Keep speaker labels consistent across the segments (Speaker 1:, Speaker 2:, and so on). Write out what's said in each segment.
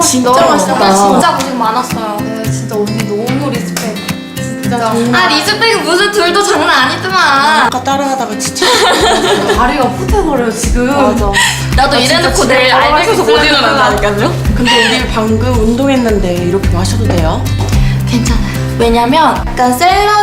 Speaker 1: 진짜
Speaker 2: 너무
Speaker 1: 맛있다.
Speaker 3: 진짜 고생 많았어요.
Speaker 2: 네, 진짜 언니 너무 리스펙. 진짜.
Speaker 3: 아 리즈백은 무슨 둘도 장난 아니더만.
Speaker 1: 아까 따라하다가 지쳐.
Speaker 2: 다리가 후퇴거려요 지금.
Speaker 1: 맞아.
Speaker 3: 나도 이래놓고 내일 알백에서 못 일어난다니까요.
Speaker 1: 근데 우리 방금 운동했는데 이렇게 마셔도 돼요?
Speaker 3: 괜찮아요. 왜냐면 약간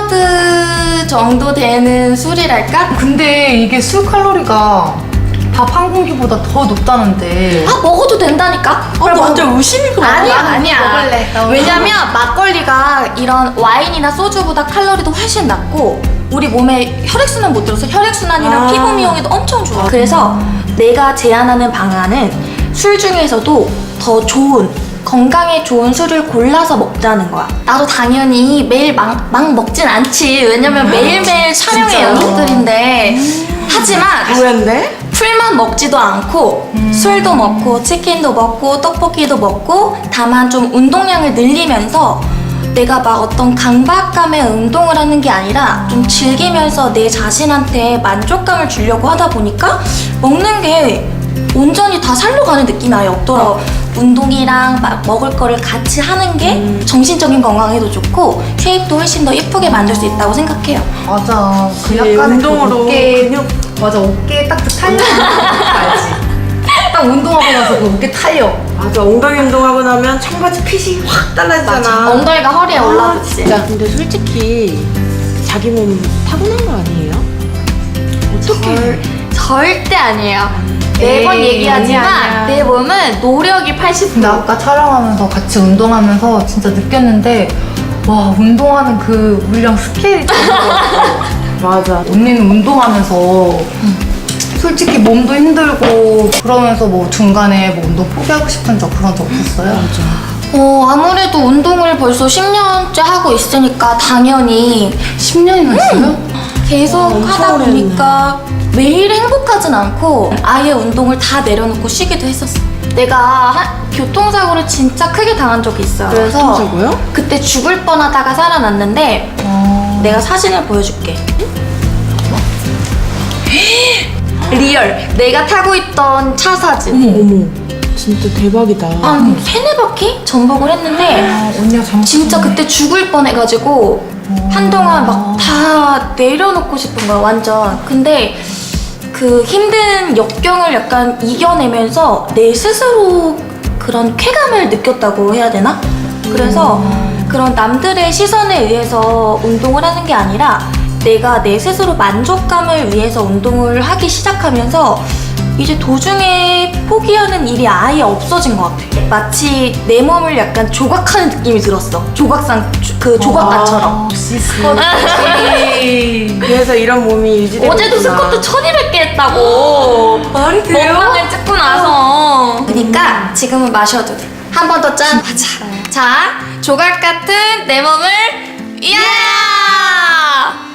Speaker 3: 샐러드 정도 되는 술이랄까?
Speaker 2: 근데 이게 술 칼로리가 밥 한 공기보다 더 높다는데.
Speaker 3: 아 먹어도 된다니까?
Speaker 1: 아, 완전 의심이 그만.
Speaker 3: 아니야.
Speaker 2: 먹을래. 나
Speaker 3: 왜냐면 막걸리가 이런 와인이나 소주보다 칼로리도 훨씬 낮고 우리 몸에 혈액순환 못 들어서 혈액순환이랑
Speaker 1: 아.
Speaker 3: 피부 미용에도 엄청 좋아. 그래서 내가 제안하는 방안은 술 중에서도 더 좋은 건강에 좋은 술을 골라서 먹자는 거야. 나도 당연히 매일 막 먹진 않지. 왜냐면 매일매일 촬영의
Speaker 1: 진짜요?
Speaker 3: 연속들인데 하지만
Speaker 1: 뭐였는데?
Speaker 3: 풀만 먹지도 않고 술도 먹고 치킨도 먹고 떡볶이도 먹고 다만 좀 운동량을 늘리면서 내가 막 어떤 강박감에 운동을 하는 게 아니라 좀 즐기면서 내 자신한테 만족감을 주려고 하다 보니까 먹는 게 온전히 다 살로 가는 느낌이 아예 없더라고. 운동이랑 막 먹을 거를 같이 하는 게 정신적인 건강에도 좋고 쉐입도 훨씬 더 예쁘게 만들 수 있다고 생각해요.
Speaker 2: 맞아. 그
Speaker 1: 그래,
Speaker 2: 약간
Speaker 1: 운동으로
Speaker 2: 어깨
Speaker 1: 근육.
Speaker 2: 맞아 어깨에 딱 그 탄력 알지? 딱 운동하고 나서 그 어깨 탄력.
Speaker 1: 맞아. 엉덩이 운동하고 나면 청바지 핏이 확 달라지잖아.
Speaker 3: 엉덩이가 허리에 올라붙지.
Speaker 1: 진짜. 근데 솔직히 자기 몸 타고난 거 아니에요? 어떻게?
Speaker 3: 절대 아니에요. 매번
Speaker 2: 에이,
Speaker 3: 얘기하지만
Speaker 2: 아니야.
Speaker 3: 내 몸은 노력이 80%.
Speaker 2: 근데 아까 촬영하면서 같이 운동하면서 진짜 느꼈는데 와 운동하는 그 물량 스케일이 다른 것 같아.
Speaker 1: 맞아.
Speaker 2: 언니는 운동하면서 솔직히 몸도 힘들고 그러면서 뭐 중간에 뭐 운동 포기하고 싶은 적 그런 적 없었어요?
Speaker 3: 아무래도 운동을 벌써 10년째 하고 있으니까 당연히
Speaker 2: 10년이나 했어요?
Speaker 3: 계속
Speaker 1: 엄청
Speaker 3: 하다
Speaker 1: 오래
Speaker 3: 보니까 매일 행복하진 않고 아예 운동을 다 내려놓고 쉬기도 했었어. 내가 교통사고를 진짜 크게 당한 적이 있어요. 그래서
Speaker 1: 교통사고요?
Speaker 3: 그때 죽을 뻔하다가 살아났는데 내가 사진을 보여줄게. 리얼. 내가 타고 있던 차 사진.
Speaker 1: 어머. 진짜 대박이다.
Speaker 3: 한 3-4바퀴 전복을 했는데
Speaker 2: 언니가 잘못
Speaker 3: 진짜 그때 죽을 뻔해가지고 한동안 막 다 내려놓고 싶은 거야 완전. 근데 그 힘든 역경을 약간 이겨내면서 내 스스로 그런 쾌감을 느꼈다고 해야 되나? 그래서 그런 남들의 시선에 의해서 운동을 하는 게 아니라 내가 내 스스로 만족감을 위해서 운동을 하기 시작하면서 이제 도중에 포기하는 일이 아예 없어진 것 같아. 마치 내 몸을 약간 조각하는 느낌이 들었어. 조각상 그 조각관처럼.
Speaker 2: 역시 스쿼트.
Speaker 1: 그래서 이런 몸이 유지되고
Speaker 3: 어제도
Speaker 1: 있구나.
Speaker 3: 스쿼트 1200개 했다고.
Speaker 2: 말이 돼요?
Speaker 3: 먹방을 찍고 나서. 그러니까 지금은 마셔도 돼. 한 번 더 짠. 맞아. 자, 조각 같은 내 몸을 위하여!